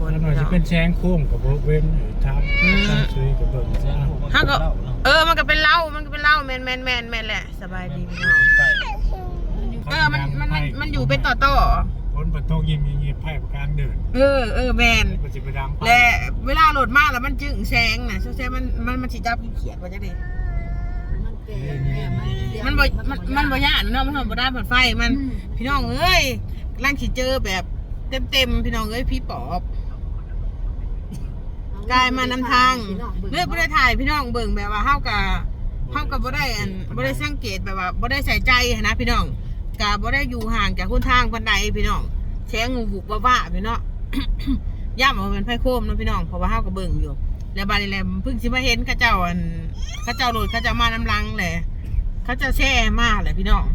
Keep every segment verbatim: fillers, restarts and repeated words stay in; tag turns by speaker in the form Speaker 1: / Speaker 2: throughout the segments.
Speaker 1: นมันจะเป็นแชงโค้งกับเว้นทำตั้งซื้อกับเบิ่งซะ
Speaker 2: ฮักก็เออมันก็เป็นเหล้ามันก็เป็นเหล้าแมนแมนแมนแมนแหละสบายดีพี่น้องเออมันมันมันอยู่เป็นต่อต่อ
Speaker 1: คนประตูยิงยิงไพ่ประการเดิน
Speaker 2: เออเออแมนและเวลาโหลดมากแล้วมันจึงแซงนะแซงมันมันมันสีจับเขียดว่าจะดีมันบ่มันมันบ่ยากเนาะมันทำบ่ได้ผ่านไฟมันพี่น้องเอ้ยร่างขีเจอแบบเต็มเต็มพี่น้องเอ้ยพี่ปอบกายมานำทางเลือกบ่ได้ถ่ายพี่น้องเบิ่งแบบว่าเฮากับเฮากับบ่ได้อันบ่ได้สังเกตแบบว่าบ่ได้ใส่ใจนะพี่น้องกะบ่ได้อยู่ห่างจากคนทางปานใดพี่น้องแชงงูบุกว่าๆพี่น้องย่ำว่าเป็นไผโคมเนาะพี่น้องเพราะว่าเฮาก็เบิ่งอยู่แล้วบาดนี้แหละเพิ่งสิมาเห็นเขาเจ้าอันเขาเจ้าโดดเขาเจ้ามานำลังแหละเขาจะแช่มาแหละพี่น้อง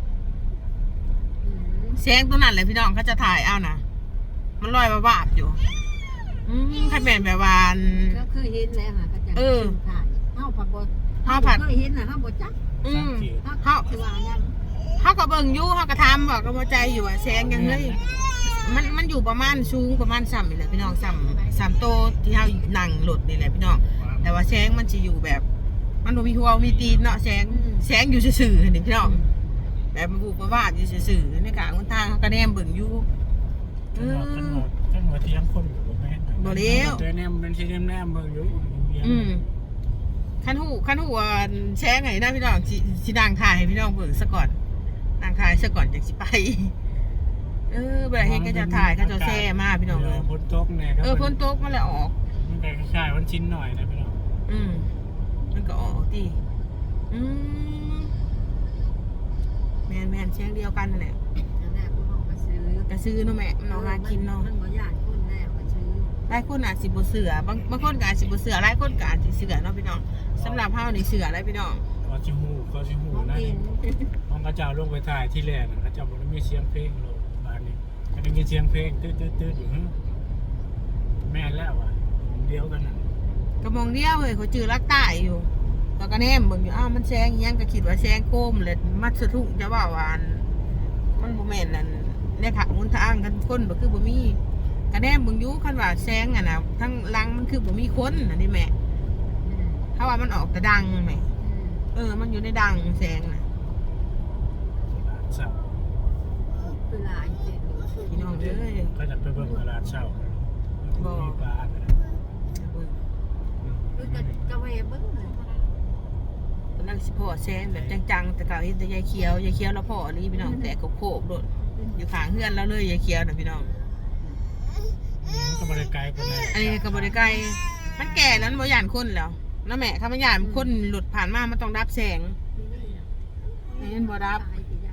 Speaker 2: แสงตัวนั้นแหละพี่น้องเขาจะถ่ายเอานะมันลอยบาบอยู่อืมถ้าเป็นแบบวาน
Speaker 3: ก็เคยเห็นแล้วค่ะเขาจะถ่ายเฮาผัดบ่
Speaker 2: เฮาผัด
Speaker 3: เคยเห็นน่ะเฮาบ่จัก
Speaker 2: อืมเฮาคือว่ายังเฮาก็เบิ่งอยู่เฮาก็ทำบอกก็บ่ใจอยู่ว่าแสงยังเฮ้ยมันมันอยู่ประมาณสูงประมาณซ้ำนี่แหละพี่น้องซ้ำซ้ำโตที่เฮานั่งรถนี่แหละพี่น้องแต่ว่าแสงมันจะอยู่แบบมันบ่มีหัวมีตีนเนาะแสงแสงอยู่ซื่อๆนี่พี่น้องแบบมันบุกมาว่าอยู่ซื่อๆในกลางคนทางเขาก็แนมเบิ่งอยู่
Speaker 1: เออขันหัวเทียมคนอยู่บ่แม่น
Speaker 2: บ่เลี้ยว
Speaker 1: แต่แนมเป็นสิแนมเบิ่งอยู่
Speaker 2: อืมคันหูคันหูแชงไงนะพี่น้องสิสิดังถ่ายให้พี่น้องเบิ่งซะก่อนดังถ่ายซะก่อนจังสิไปเออเวลาเฮ็ดก็จะถ่ายก็จะแซ่มาพี่น้องเลย
Speaker 1: ฝนตกแน่
Speaker 2: เออฝนตกมันเลยออก
Speaker 1: มันก็คล้ายๆมันชิ้นหน่อยนะพี่น้อง
Speaker 2: อืมมันก็ออกติอืมแมนแมนแชงเดียวกันนั่นแหละกระซื้อเนาะแม่มันเอาหากินเนาะ
Speaker 3: มันบ่ยากคนแน่กระซื้อ
Speaker 2: หลายคนอาจสิบ่เสือบางบางคนก็อาจสิบ่เสือหลายคนก็อาจสิเสือเนาะพี่น้องสำหรับเฮานี่เสืออะไรพี่น้อง
Speaker 1: ก็สิฮู้ก็สิฮู้นั่นห้องกระเจ้าลงไปถ่ายที่แรกน่ะกระเจ้าบ่ได้มีเสียงเพลงโลบ้านนี้ก็ได้ยินเสียงเพลงตืดๆๆอยู่แม่นแล้วว่ะเดียวกันน่ะ
Speaker 2: ก็มองเดียวเฮ้ยเขาจื้อรักใต้อยู่ก็กระแนมเบิ่งอยู่อ้าวมันแซงอีหยังก็คิดว่าแซงโคมเลยมัดสะทุกจะว่าว่ามันบ่แม่นนั่นในทางหนทางกันคนบ่คือบ่มีกระแนมเบิ่งอยู่คันว่าแซงอ่ะน่ะทั้งหลังมันคือบ่มีคนอันนี้แม่ถ้าว่ามันออกแต่ดังแม่เออมันอยู่ในดังแซงน่ะ
Speaker 3: คือหลายเจ็ด
Speaker 2: พี่น้องเอ้ย
Speaker 1: ก็จะไปเบิ่งตลาดเช้าบ่มีปลา
Speaker 3: คือก็ก็แวะเบิ่งเลย
Speaker 2: กำลังสิพ่อแซงแบบจังๆแต่เก่าเห็นแต่ยายเขียวยายเขียวแล้วพ่อนี่พี่น้องแต่โคบๆโดดอยู่ข้างเฮือนแล้วเลยยายเขียวน่ะพี่น้อง
Speaker 1: ก็บ่ได้ไกลปานใด
Speaker 2: อันนี้ก็บ่ได้ไกลมันแก่แล้วมันบ่ย่านคนแล้วนะแม่ถ้ามันย่านคนหลุดผ่านมามันต้องดับแสงนี่มันบ่ดับ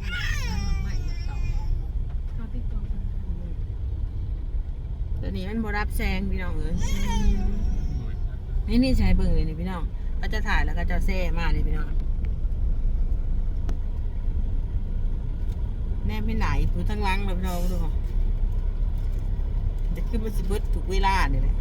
Speaker 2: ตัวนี้มันบ่ดับแสงพี่น้องเอ้ยนี่นี่ใช้เบิ่งเลยนี่พี่น้องก็จะถ่ายแล้วก็จะแซ่มาเลยพี่น้องแน่ไม่ไหนผู้ทั้งลังเลยพี่น้องดูจะขึ้นมาสิเบิดถูกเวลาเนี่ยแหละ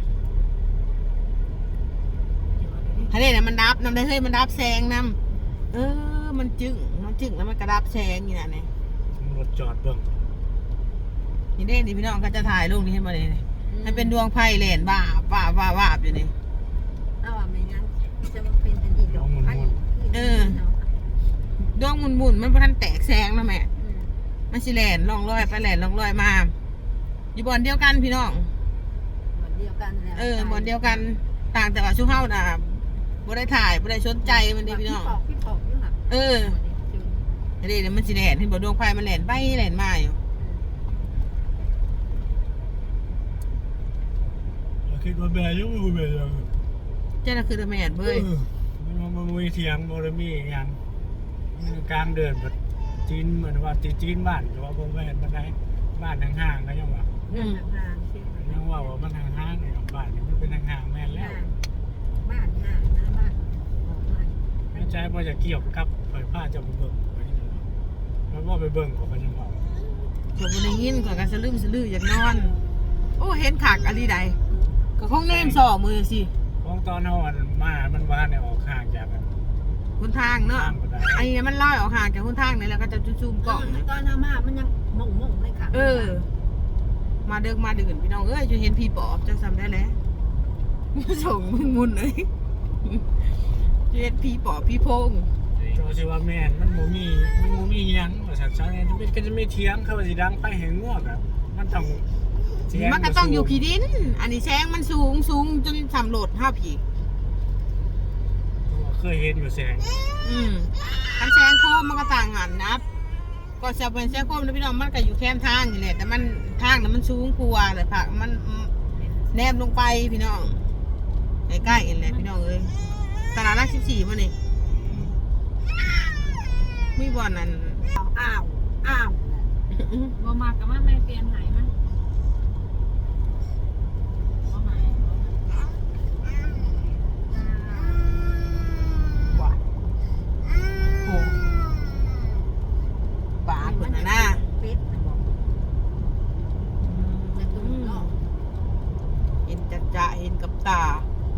Speaker 2: ทะเลเนี่ยมันดับน้ำได้เฮ้ยมันดับแสงน้ำเออมันจึ้งมันจึ้งแล้วมันกระดับแสงนี่นะเนี่ย
Speaker 1: รถจอดเบิ่ง
Speaker 2: นี่เด้นี่พี่น้องก็จะถ่ายรูปนี้ให้มาเลยให้เป็นดวงไพ่เลนบ้าบ้าบ้าบ้าอยู่นี่
Speaker 3: เอาว่าไม่งั้นจะมาเป็นอันอีกดอกไพ่
Speaker 2: เออดวงมุนมุนมันพอทันแตกแสงนะแม่มันสิแลนลองลอยไปแลนลองลอยมาอยู่บอนเดียวกันพี่น้อง
Speaker 3: บอนเดียวกัน
Speaker 2: เออบอนเดียวกันต่างแต่ว่าชูเฮาน่ะบ่ได้ถ่ายบ่ได้สนใจมันดิพี่น้องเออเดี๋ยวมันสิแลนเห็นบ่ดวงไฟมันแลนไปแลนมาอยู่
Speaker 1: คิดว่าแม่ยังบ่แม่ยัง
Speaker 2: เจ้าน่ะคือแม่เบ้ย
Speaker 1: มันบ่มีเถียงบ่ได้มีหยังกลางเดินแบบจีนเหมือนว่าจีนบ้านก็ว่าบ่แม่นปานใดบ้านห่างๆก็ยังว่า
Speaker 3: อืมห่างๆ
Speaker 1: ยังว่าว่ามันห่างๆนี่บ้านนี่มันเป็นห่างๆแม่นแล้ว
Speaker 3: บ้านห่างนะบ้านออกมา
Speaker 1: แม่ใจบ่จะเกี่ยวกับไฟฟ้าจะไปเบิ่งมันว่าไปเบิ่งก็ก็ยังว่า
Speaker 2: ก็บ่ได้ยินก็ก็สลืมสลืออยากนอนโอ้เห็นคักอะลีใดก็คงแนมสอมือสิ
Speaker 1: ของตอนเฮาอันมามันว่าเนี่ยออกห่างจากกัน
Speaker 2: คนทางเนาะไอ้นี่มันลอยออกห่างจากคนทางนี่แล้วก็จะจุ่มๆกล้อง
Speaker 3: ตอนทำมามันยังมงๆเลยค่ะ
Speaker 2: เออมาเดิกมาดื่นพี่น้องเอ้ยจะเห็นพี่ปอบจะจำได้แล้วส่งมึงมุนเลยจะเห็นพี่ปอบพี่โพง
Speaker 1: โจสิว่าแม่นมันบ่มีมันบ่มีหยังว่าสักซะเนี่ยมันก็จะไม่เถียงเขาว่าสิดังไปแห่งงวกอ่ะมันต้องเสียง
Speaker 2: มันก็ต้องอยู่ขี้ดิน อันนี้แสงมันสูงสูงจนสำรวจห้าผี
Speaker 1: เคยเห็นอยู่แสง
Speaker 2: อืมอันแสงโคมมันก็ต่างกันนะก็จะเป็นแสงโคมนะพี่น้องมันก็อยู่แคมทางนี่แหละแต่มันทางนั้นมันสูงกว่าเลยผักมันแนบลงไปพี่น้องใกล้ๆกันเลยพี่น้องเอ้ยตลาดรักสิบสี่ป่ะนี่มีบ่อนนั้น
Speaker 3: อ้าวอ้าว
Speaker 4: บ่มากกับมันไม่เปลี่ยนหายมันบ่หาย
Speaker 2: ว่าโอ้บาดคนน่ะนะ
Speaker 3: เป็ดนะบอกจะตุ้มเนาะ
Speaker 2: เห็นจัดจะเห็นกับตา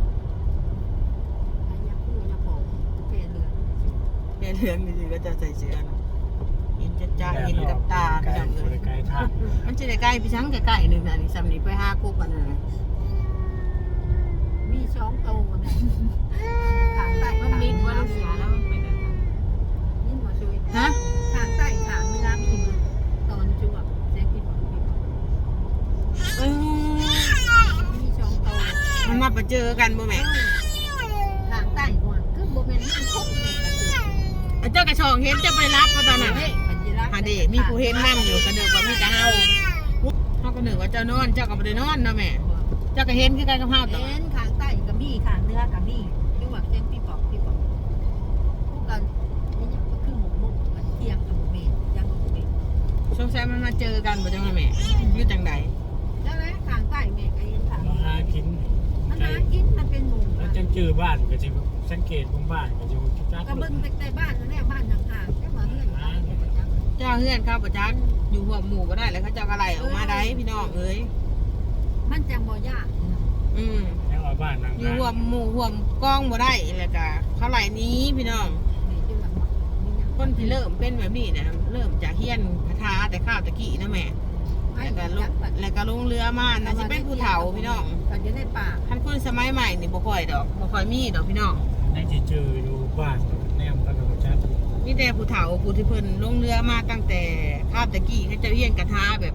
Speaker 3: อันยักษ์คู่ยักษ์ของแก่เรือน
Speaker 2: แค่เรื่องนี้ก็จะใส่เสื้อนะเห็นจัดจะเห็นกับตา
Speaker 1: ไกล
Speaker 2: พี่น้องเลย
Speaker 1: ไกลทาง
Speaker 2: มันจะได้ใกล้พี่ช้างใกล้ๆหนึ่งนะนี่สำนีไปห้ากุ๊กอันนั้นนะ
Speaker 3: มีสองโตนะขางใต้
Speaker 4: มันมีว่าเราเสียแล้วมันเป็นอะไร
Speaker 3: นี่มาช่วย
Speaker 2: ฮะ
Speaker 3: ขางใต้ขางเนื้อมีมือตอนจวบแจ๊กที่บอกพี่บอก
Speaker 2: เออ
Speaker 3: มีสองโต
Speaker 2: มันมาประเจอกันบ่แม่
Speaker 3: ขางใต้ก่อนคือโบแมนมันคงเลยกระสือ
Speaker 2: เจ้ากระชองเห็นจะไปรับก็ตอนนั้น
Speaker 3: เฮ้ยปัญจิรัก
Speaker 2: ฮะเดมีผู้เห็นนั่งอยู่กระเดือกว่ามีแต่เฮาเฮาก็นึกว่าเจ้านอนเจ้าก็บ่ได้นอนเนาะแม่เจ้าก็เห็นคือกันกับเฮาตลอ
Speaker 3: เอ็
Speaker 2: ด
Speaker 3: นขางใต้กับมีขางเนื้อกับมีคือว่าแจ๊กพี่บอกพี่บอกพวกกันนี่ยังก็คือหมูหมูกันเทียงกับหมูเมนยังกับหมูเมน
Speaker 2: สงสัยมันมาเจอกันบ่จังว่าแม่อยู่จังใด
Speaker 3: แล้วนะขางใต้เมนก็เอ็นขาง
Speaker 1: มาหากิน
Speaker 3: มันหากินมันเป็นหมู
Speaker 1: แล้วจังจื้อบ้านก็สิสังเกตของบ้านก็สิคิดจัก
Speaker 3: ก็เบิ่งแต่บ้านนั่นแหละบ้านห่างๆแค่ว่าเงื่อนไขเนี่ยมันจัง
Speaker 2: เจ้าเฮือนครับบ่จักอยู่หัวหมู่บ่ได้แล้วเขาเจ้าก็ไล่ออกมาได้พี่น้องเอ้ย
Speaker 3: มันจังบ่ยาก
Speaker 2: อืม
Speaker 1: แล้วว่าบ้านนาง
Speaker 2: อยู่หัวหมู่หัวกล้องบ่ได้แล้วก็เขาไล่หนี้พี่น้อง
Speaker 3: นี่คือแบบว่ามีหยัง
Speaker 2: คนที่เริ่มเป็นแบบนี้นะเริ่มจากเฮียนคาถาแต่ข้าวตะกี้นะแม่
Speaker 3: ไม่
Speaker 2: แล้วก็ล
Speaker 3: จั
Speaker 2: ง
Speaker 3: กแบบ
Speaker 2: แล้วก็ลงเรือมานะสิเป็นผู้เฒ่าพี่น้อง
Speaker 3: ก็จะได้ป่า
Speaker 2: ท่านคนสมัยใหม่นี่บ่ค่อยดอกบ่ค่อยมีดอกพี่น้อง
Speaker 1: ได้สิเจออยู่บ้านแนมกันก็จัก
Speaker 2: มีแต่ผู้เฒ่าผู้ที่เพิ่นลงเรือมาตั้งแต่ข้าวตะกี้เขาเจะเฮียนกระทาแบบ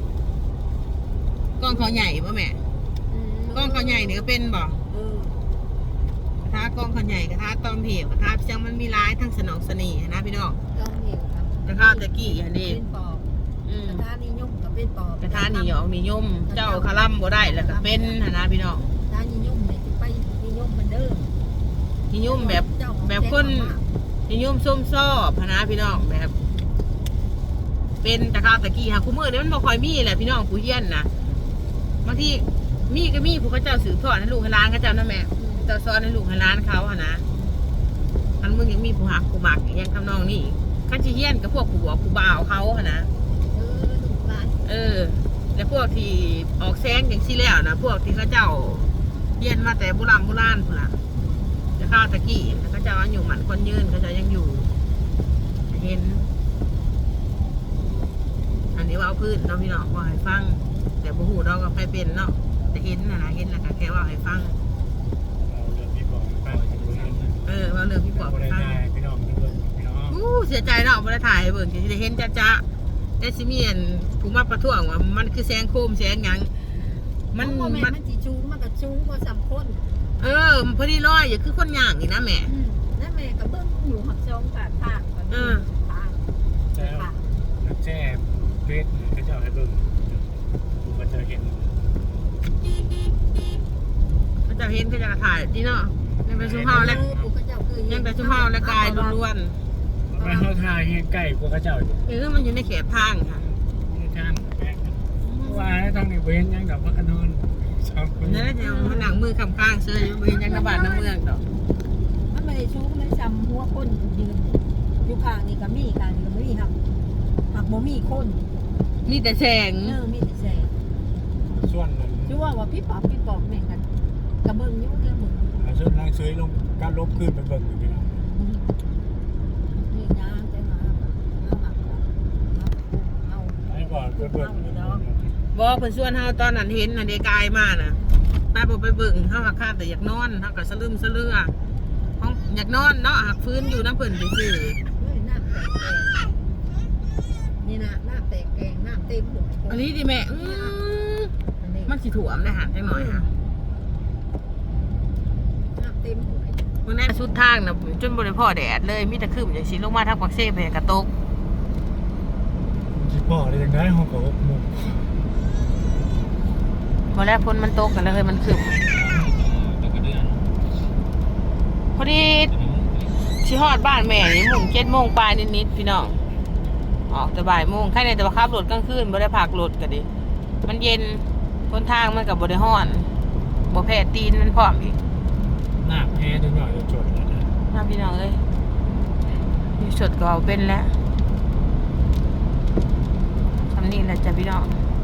Speaker 2: กล้องเขาใหญ่บ่แม่กล้องเขาใหญ่นี่ก็เป็นบ่
Speaker 3: เออก
Speaker 2: ระทากล้องเขาใหญ่กระทาตอมเหวกระทาเชียงมันมีหลายทั้งสนองเสน่ห์นะพี่น้อง
Speaker 3: ต้องเหนียวครับ
Speaker 2: แต่ข้าวตะกี้อันนี้
Speaker 3: เป็นปอบ
Speaker 2: อืม
Speaker 3: กระทะนิยมกับเป็นปอบ
Speaker 2: กระทานี่ยองนิยม เจ้าคาร่ำบ่ได้แล้วก็เป็นหั้นนะพี่น้อง
Speaker 3: กระทะนิยมเนี่ยจะไปนิยมเหมือนเดิม
Speaker 2: นิยมแบบแบบคนนิยมส้มซอบหั้นนะพี่น้องแบบ เป็นตะข้าวตะกี้ค่ะคู่มือเนี่ยมันบ่ค่อยมีแหละพี่น้องผู้เฮียนนะบางทีมีก็มีผู้เขาเจ้าสืบทอดให้ลูกให้หล้านเขาเจ้านั่นแม่เจ้าสอนให้ลูกให้หล้านเขาหั้นนะมันมึงยังมีผู้หักผู้หมักอย่างทำนองนี้ขั้นสิเฮียนกับพวกผู้บัวผู้บ่าวเขาหั้นนะ
Speaker 3: เออลูกหลาน
Speaker 2: เออ แล้วพวกที่ออกแซงอย่างที่แล้วนะพวกที่เขาเจ้าเฮียนมาแต่โบราณโบราณพุ่นล่ะจะข้าวตะกี้แล้วเขาเจ้าอยู่หมันคนยืนเขาเจ้ายังอยู่ เห็น อันนี้ว่าเอาพื้นเนาะพี่น้องว่าให้ฟังแต่บ่ฮู้เราก็ไปเป็นเนาะแต่เห็นนะนะเห็นแล้วก็แค่ว่าให้ฟัง
Speaker 1: เราเรื่องที่บอกไปจะดูนั่นนะ
Speaker 2: เออว่าเรื่องพี่ปอบ
Speaker 1: บ่
Speaker 2: ให้
Speaker 1: ได้
Speaker 2: ฟัง
Speaker 1: ได้พี่น้องเบิ่งพี่น้อง
Speaker 2: อู้เสียใจเนาะบ่ได้ถ่ายให้เบิ่งสิได้เห็นจ้าๆแต่สิมีอันผู้มาประท้วงว่ามันคือแสงโคมแสงหยังมัน
Speaker 3: เพราะว่าแม่
Speaker 2: มัน
Speaker 3: มันจีชูงมันก็ชูงกว่าสามคน
Speaker 2: เออพอดีร้อยอย่าคือคนย่างนี่นะแม่
Speaker 3: อืมแล้วแม่ก็เบิ้งอยู่หักซองปากทางก็มี
Speaker 2: เออ
Speaker 3: ทาง
Speaker 1: แล้ว
Speaker 3: ค่ะ
Speaker 1: นักแช่เฟซเขาเจ้าให้เบิ่งมันจะเห็น
Speaker 2: เขาจะเห็นเขาจะถ่ายดีเนาะยังแต่ชุมเฮาและ
Speaker 3: เออปู่ก็เจ้าคือ
Speaker 2: ยังแต่ชุมเฮาและกายล้วน
Speaker 1: มันเขาทายเฮ็ดใกล้กว่าเขาเจ้าอยู่
Speaker 2: ๆเออมันอยู่ในเขตทางค่ะ
Speaker 1: นี่ท่านแปลกว่าทางนี้เว้นยังดอกว่ากันนอนสองคน
Speaker 2: นั่นแหละจะมันหนังมือคำข้างเสื้ออยู่บริเวณยังกระบาดน้ำเมืองดอก
Speaker 3: มันไม่ได้ชูงมันซ้ำหัวคนยืนอยู่ข้างนี่ก็มีข้างนี่ก็ไม่มีหักหักบ่มีคน
Speaker 2: มีแต่แสง
Speaker 3: เออมีแต่แสง
Speaker 1: ส่วนนั้น
Speaker 3: ชื่อว่าว่าพี่ปอบพี่ปอบแม่งกันกระเบิ้งอยุ่งเรื่องมึง
Speaker 1: ส่วนนางเสยลงการลบขึ้นไปเบิ่งอยู่พี่น้อง
Speaker 3: นี่ยางแต่มาเอาหักเอาเอา
Speaker 1: ไอ้ก่อนไปเบิ่ง
Speaker 3: เอาเลยเนาะ
Speaker 2: บ่เพิ่นชวนเฮาตอนนั้นเห็นน่ะเดกายมาน่ะป้าบ่ไปเบิ่งเฮาหักคาดแต่อยากนอนเฮาก็สะลึมสะเลือห้องอยากนอนเนาะหักฟื้นอยู่น้ำเพิ่นซื่อ
Speaker 3: เฮ้ยน้ำแตกแกงนี่นะน้ำแตกแกงน้ำเต็มหัว
Speaker 2: ๆอันนี้ดิแม่อื้อ
Speaker 3: อันนี้
Speaker 2: มันสิถ่วมได้หักจังหน่อยค่ะ
Speaker 3: น้ำเต็มหัว
Speaker 2: เมื่อนั้นสุดทางน่ะจนบ่ได้พอแดดเลยมีแต่ครึ้มจังซี่ลงมาทางปักเซ่ไปกระตก
Speaker 1: ที่พ่อได้ยังได้ห้องกับหมุก
Speaker 2: พอแล้วฝนมันตกกันแล้วเฮ้ยมันครึ้ม
Speaker 1: ตะกระเดือน
Speaker 2: พอดีสิฮอดบ้านแม่นี่มุ่งเจ็ดโมงปลายนิดๆพี่น้องออกแต่บ่ายโมงแค่ในแต่ว่าขับรถกลางคืนบ่ได้พักรถก็ดิมันเย็นบนทางมันก็บ่ได้ร้อนบ่แพ้ตีนมันพร้อมอีก
Speaker 1: หน้าแพ้จนหน่อยจะจดแล้วนะ
Speaker 2: มาพี่น้องเอ้ยอยู่สดก็เอาเป็นแล้วทำนี่แหละจ้ะพี่น้อง